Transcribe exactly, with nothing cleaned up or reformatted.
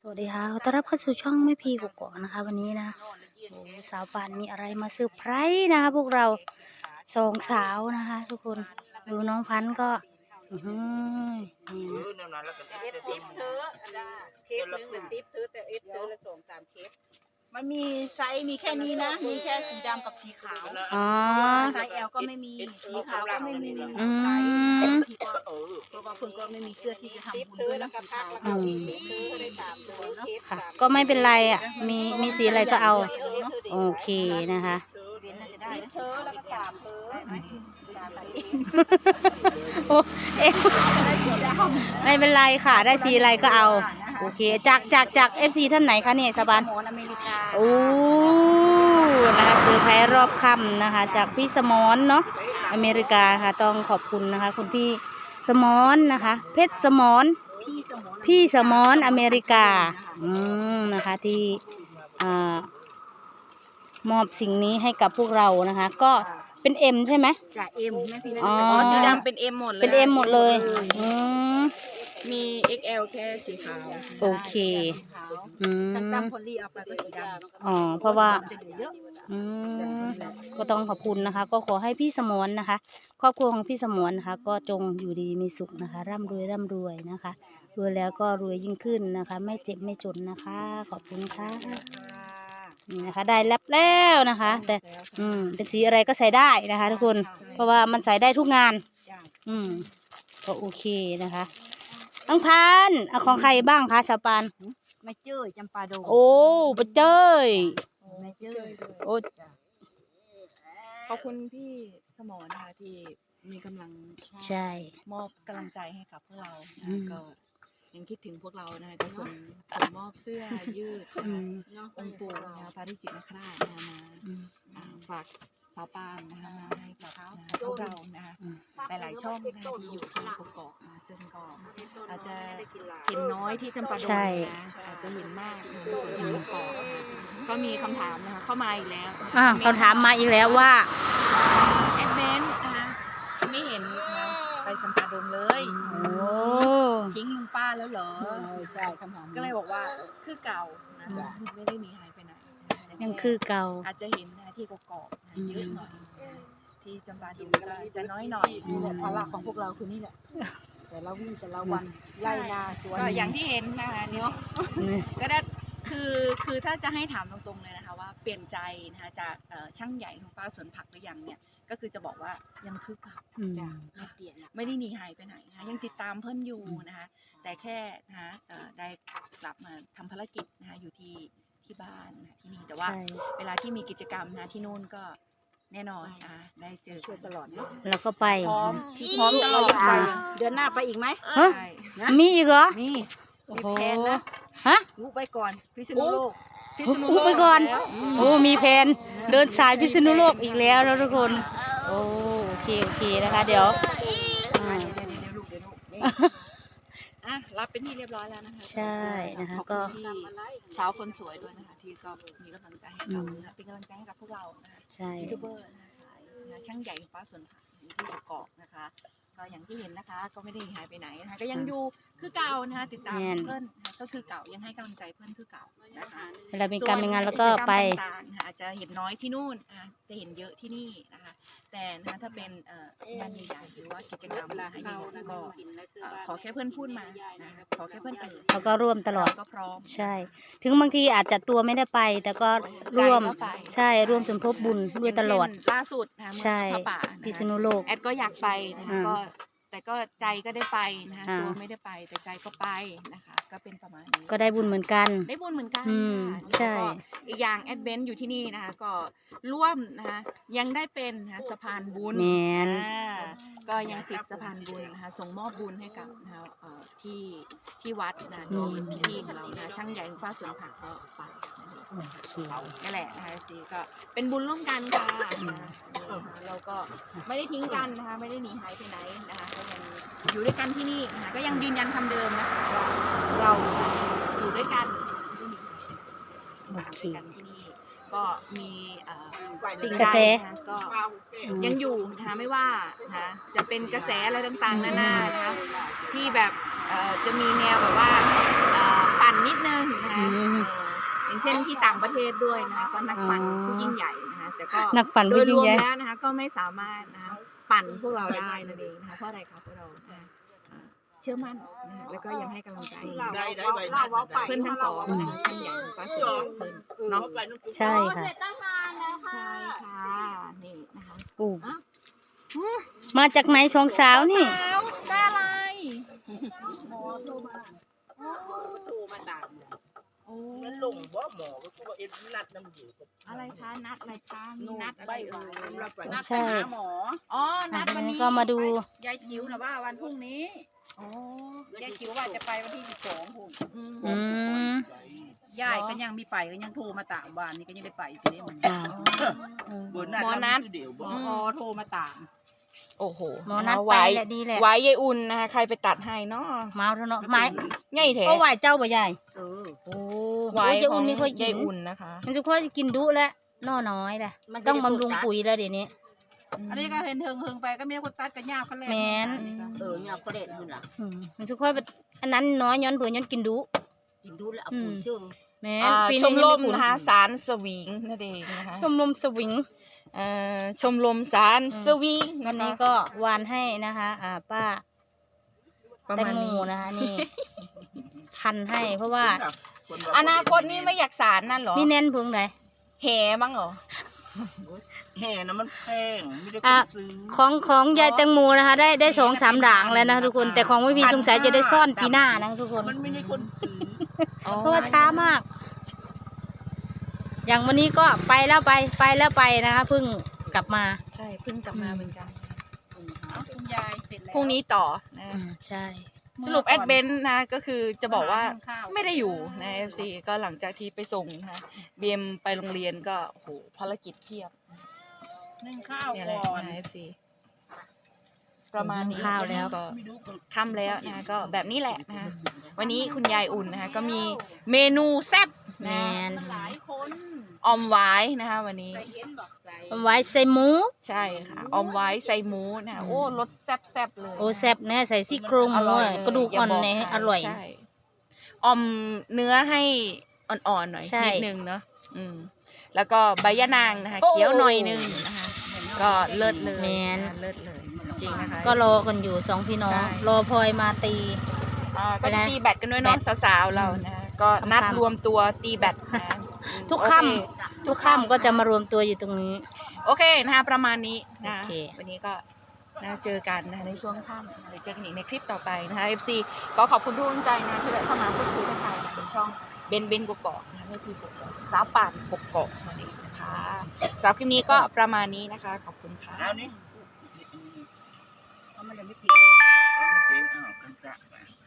วัสดีค่ะขอต้อนรับเข้าสู่ช่องแม่พีกกอกนะคะวันนี้นะโอ้สาวปานมีอะไรมาเซอร์ไพรส์นะคะพวกเราสองสาวนะคะทุกคนดูน้องพันธุ์ก็อือหือนี่นะเอสซิปเธอเคสหนึ่งเป็นซิปเธอแต่เอสเธอละสองสามเคสมันมีไซส์มีแค่นี้นะมีแค่สีดำกับสีขาวอ๋อไซส์ L ก็ไม่มีสีขาวก็ไม่มีอืมไซส์ที่ก็เออเพราะว่าคุณก็ไม่มีเสื้อที่จะทำบุญด้วยนะสีขาวอืมเธอได้สามตัวเนาะค่ะก็ไม่เป็นไรอ่ะมีมีสีอะไรก็เอาโอเคนะคะเว้นน่าจะได้นะเธอแล้วก็สามเธอได้ไหมสามใส่โอ้เอ๊ะไม่เป็นไรค่ะได้สีอะไรก็เอาโอเคจากจากจากเอฟซีท่านไหนคะเนี่ยสบานสมอนอเมริกาโอ้นะคะเซอร์ไพรส์รอบค่ำนะคะจากพี่สมอนเนาะอเมริกาค่ะต้องขอบคุณนะคะคุณพี่สมอนนะคะเพชรสมอนพี่สมอนพี่สมอนอเมริกาอืมนะคะที่อ่ามอบสิ่งนี้ให้กับพวกเรานะคะก็เป็นเอ็มใช่ไหมจ่าเอ็มแม่พี่นะอ๋ออ๋อสีดำเป็น M หมดเลยเป็นเอ็มหมดเลยอืมมี เอ็กซ์ แอล แค่สีขาวโอเคอืมช่างตั้มพอลลี่เอาไปก็สีดำอ๋อเพราะว่าจะอยู่เยอะอืมก็ต้องขอบคุณนะคะ ก็ขอให้พี่สมรนะคะ ครอบครัวของพี่สมรนะคะ ก็จงอยู่ดีมีสุขนะคะ ร่ำรวยร่ำรวยนะคะรวยแล้วก็รวยยิ่งขึ้นนะคะ ไม่เจ็บไม่จนนะคะ ขอบคุณค่ะนี่นะคะ ได้รับแล้วนะคะ แต่อืมเป็นสีอะไรก็ใส่ได้นะคะ ทุกคน เพราะว่ามันใส่ได้ทุกงาน อืมก็โอเคนะคะอังพันเอาของใครบ้างคะสาวปานไม่เจอจำปาดงโอ้ปะเจ้ยไม่เจอโอ้ขอบคุณพี่สมรนะคะที่มีกำลังใช่มอบกำลังใจให้กับพวกเราอืนะมก็ยังคิดถึงพวกเรานะคะจะส่งส่งมอบเสื้อยืดอืมองค์ปู่นะคะพระที่จิตนคราชนะคะมาอืมอ่าฝากสาวปานนะคะมาให้กับพวกเรานะคะอืมหลายๆช่องนะคะที่อยู่ที่กกอกนะซึ่งก็อาจจะเห็นน้อยที่จำปาดงใช่นะอาจจะเห็นมากในส่วนที่กกอกนะคะก็มีคำถามนะคะเข้ามาอีกแล้วนะคะอ่าคำถามมาอีกแล้วว่าแอดเวนนะคะไม่เห็นนะคะไปจำปาดงเลยโอ้ทิ้งลุงป้าแล้วเหรอใช่คำถามก็เลยบอกว่าคือเก่านะไม่ได้หนีหายไปไหนนะคะแต่ยังคือเก่าอาจจะเห็นนะที่กกอกนะอืมเยอะหน่อยนะที่จำปาดงก็จะน้อยหน่อยนี่แหละภาระของพวกเราคือนี่แหละแต่ละวี่แต่ละวันไล่นาสวนก็อย่างที่เห็นนะคะเนาะ ก็ได้คือคือถ้าจะให้ถามตรงๆเลยนะคะว่าเปลี่ยนใจนะคะจากเอ่อช่างใหญ่ลุงป้าสวนผักหรือยังเนี่ยก็คือจะบอกว่ายังคือเก่าอืมไม่เปลี่ยนละไม่ได้หนีหายไปไหนนะคะยังติดตามเพื่อนอยู่นะคะแต่แค่นะคะเอ่อได้กลับมาทำภารกิจนะคะอยู่ที่ที่บ้านนะที่นี่แต่ว่าใช่เวลาที่มีกิจกรรมนะที่นู่นก็แน่นอนอ่ะได้เจอช่วยตลอดนะแล้วก็ไปพร้อมพร้อมตลอดไปอ่าเดือนหน้าไปอีกไหมฮะใช่นะมีอีกเหรอมีโอ้มีโหแผนนะฮะวุไปก่อนพิษณุโลกพิษณุอุ๊โลบไปก่อนแล้วโอ้มีแผนเดินสายพิษณุโลกอีกแล้วแล้วทุกคน โอ้โอเคโอเคนะคะ เดี๋ยวอ่าเดี๋ยวเดี๋ยวเดี๋ยวลูกเดี๋ยวลูกอ่ะรับเป็นที่เรียบร้อยแล้วนะคะใช่นะคะขอบก็คุณที่สาวคนสวยด้วยนะคะที่ก็มีกำลังใจให้เรานะคะเป็นกำลังใจให้กับพวกเรานะคะใช่ยูทูบเบอร์นะคะสายนะช่างใหญ่ฟ้าสวนผักอยู่ที่กกอกนะคะก็อย่างที่เห็นนะคะ ก็ไม่ได้หายไปไหนนะคะก็ยังอยู่คือเก่านะคะติดตามเพื่อนนะคะก็คือเก่ายังให้กำลังใจเพื่อนคือเก่านะคะเวลามีการมีงานแล้วก็ไปส่วนกิจกรรมต่างๆนะคะอาจจะเห็นน้อยที่นู่นอ่ะจะเห็นเยอะที่นี่นะคะแต่นะคะถ้าเป็นเอ่องานใหญ่ๆหรือว่ากิจกรรมอะไรใหญ่ๆก็เอ่อขอแค่เพื่อนพูดมานะคะขอแค่เพื่อนเอ่ยเขาก็ร่วมตลอดเราก็พร้อมใช่ ถึงบางทีอาจจะตัวไม่ได้ไป แต่ก็ร่วมใช่ร่วมสมทบบุญด้วยตลอดย่างเช่นล่าสุดนะคะเมื่อใช่พระป่านะคะพิษณุโลกแอดก็อยากไปนะคะอ่าก็แต่ก็ใจก็ได้ไปนะคะอ่าตัวไม่ได้ไปแต่ใจก็ไปนะคะ ก็เป็นประมาณนี้ก็ได้บุญเหมือนกันได้บุญเหมือนกันอืมค่ะใช่แล้วก็อีกอย่างแอดเวนอยู่ที่นี่นะคะ ก็ร่วมนะคะยังได้เป็นนะคะสะพานบุญแมนอ่าก็ยังติดสะพานบุญนะคะส่งมอบบุญให้กับนะคะเอ่อที่ที่วัดนะมีพี่ๆของเรานะช่างใหญ่ฟ้าสวนผักก็ไปนะคะโอเคนั่นแหละนะคะซีก็เป็นบุญร่วมกันค่ะนะคะเราก็ไม่ได้ทิ้งกันนะคะไม่ได้หนีหายไปไหนนะคะก็ยังอยู่ด้วยกันที่นี่นะคะก็ยังยืนยันคำเดิมนะคะว่าเราอยู่ด้วยกันไม่หนีหายไปไหนโอเคด้วยกันที่นี่ก็มีเอ่อสิ่งกระใดแสนะคะก็ยังอยู่นะคะไม่ว่านะคะจะเป็นกระแสอะไรต่างๆนานานะคะที่แบบเอ่อจะมีแนวแบบว่าเอ่อปั่นนิดนึงอย่างเช่นที่ต่างประเทศด้วยนะคะก็นักปั่นอ๋อผู้ยิ่งใหญ่นะคะแต่ก็นักปั่นโดผู้ยยิ่รง วมใหญ่แล้วนะคะก็ไม่สามารถนะคะปั่นพวกเราได้นั่นเองนะคะเพราะอะไรคะเพราะเรานะคะเชื่อมั่นนะคะแล้วก็ยังให้กำลังใจได้ได้ใบหน้าได้เพื่อนทั้งสองนะคะท่านใหญ่ของฟ้าสวยเพื่อนเนาะใช่ค่ะใช่ค่ะนี่นะคะอู้มาจากไหนสองสาวนี่สาวได้อะไรโทรมาตามโอ้นั่นลงบ่หมอก็คือว่าเอ็นนัดน้ำอยู่กับอะไรคะนัดอะไรคะมีนัดอะไรเอ่ยนัดไปใช่หาหมออ๋อนัดวันนี้ก็มาดูยายจิ๋วนะว่าวันพรุ่งนี้อ๋อยายจิ๋วว่าจะไปวันที่สิบสองพุ่งอืมยายก็ยังมีไปก็ยังโทรมาตามบ้านนี่ก็ยังได้ไปสิได้มันอ่าอืมหมอนัดเดี๋ยวบ่อ๋อโทรมาตาม โอ้โหหมอนัดไปแหละดีแหละไว้ยายอุ่นนะคะใครไปตัดให้เนาะเมาเถอะเนาะไม้ง่ายแท้เพราะไหวเจ้าบ่ใหญ่เออโอ้ไว้ยเจ้าขอุ่อนงไม่ค่อยกิยายนอุ่นนะคะมันจะค่อยกินดุแล้วน้อน้อยแหละต้องบำรุงปุ๋ยแล้วเดี๋ยวนี้อันนี้ก็เห็นเทิงเทิงไปก็มีคนตัดกันยาวกันแล้วแม่นเออยาวก็เด็ดขึ้นล่ะอืมมันจะค่อยแบบอันนั้นน้อยย้อนเผื่อย้อนกินดุกินดูแล้วเอาปุ๋ยชื่อแม่นอ่าปีชนี้มยังรไผุมนะคะสารสวิงนั่นเองนะคะชมรมสวิงเอ่อชมรมสารอืมสวิงวันะนคะนี้ก็วานให้นะคะ อ่าป้าประแตงมาณโมนี้นะคะนี่ พันให้เพราะว่าอนาคตนี่ไม่อยากสารนั่นเหรอมีแน่นเพึงไหนแห่บ้างเหรอแห่นะมันแพงไม่ได้คอ่ะนซื้อของของยายแตงโมนะคะ ได้ได้สองสามด่างแล้วนะทุกคน แต่ของไม่มีสงสัยจะได้ซ่อนปีหน้านะทุกคนมันไม่ได้คนซื้อเพราะว่าช้ามาก อย่างวันนี้ก็ไปแล้วไปไปแล้วไปนะคะเพิ่งกลับมาใช่เพิ่งกลับมาเหมือนกันเอาคุณยายเสร็จแล้วพรุ่งนี้ต่อนะอืมใช่สรุปแอดเบนต์นะก็คือจะบอกว่าข้าวไม่ได้อยู่ใน เอฟ ซี ก็หลังจากที่ไปส่งนะเบียมไปโรงเรียนก็โอ้โหภารกิจเพียบนึ่งข้าวเนี่ยแหละก่อนนะ เอฟ ซี ประมาณนี้ข้าวแล้วก็ค่ำแล้วนะก็แบบนี้แหละนะคะวันนี้คุณยายอุ่นนะคะก็มีเมนูแซ่บแมนะนหลายคนออมไว้นะคะวันนี้ใส่เย็นบอกใส่เอาไว้ใส่หมูใช่ค่ะออมไว้ใส่หมูนะคะโอ้รสแซ่บๆเลยโอ้แซ่บเนี่ยใส่ซี่โครงหอมูร่อยอะเลยกระดูกอ่อนย่าบเนี่ยใคอร่อยใช่ออมเนื้อให้อ่อนๆหน่อยใช่นิดนึงเนาะอืมแล้วก็ใบยะนางนะคะโอ้เคี้ยวหน่อยนึงนะคะก็เลิศเลยแม่นนะคะเลิศเลยจริงนะคะก็รอกันอยู่สองพี่น้องใช่รอพลอยมาตีอ่าก็ไปจะนะตีแบตกันด้วยเนาะแบตสาวๆเรานะคะก็นัดค่ำๆรวมตัวตีแบตนะทุกโอเค่ำทุกค่ำก็จะมารวมตัวอยู่ตรงนี้โอเคนะคะประมาณนี้นะโอเควันนี้ก็นะเจอกันนะคะในช่วงค่ำเดี๋ยวเจอกันอีกในคลิปต่อไปนะคะ เอฟ ซี ก็ขอบคุณทุกกำลังใจนะที่แบบเข้ามาพูดคุยทักทายในช่องเบนเบนกกอกนะคะก็คือกกอกสาวป่านกกอกนั่นเองนะคะสำหรับคลิปนี้ก็ประมาณนี้นะคะ ขอบคุณค่ะเอานี่เอามันยังไม่ติดเอาไม่ติดอ้าวกันกะไป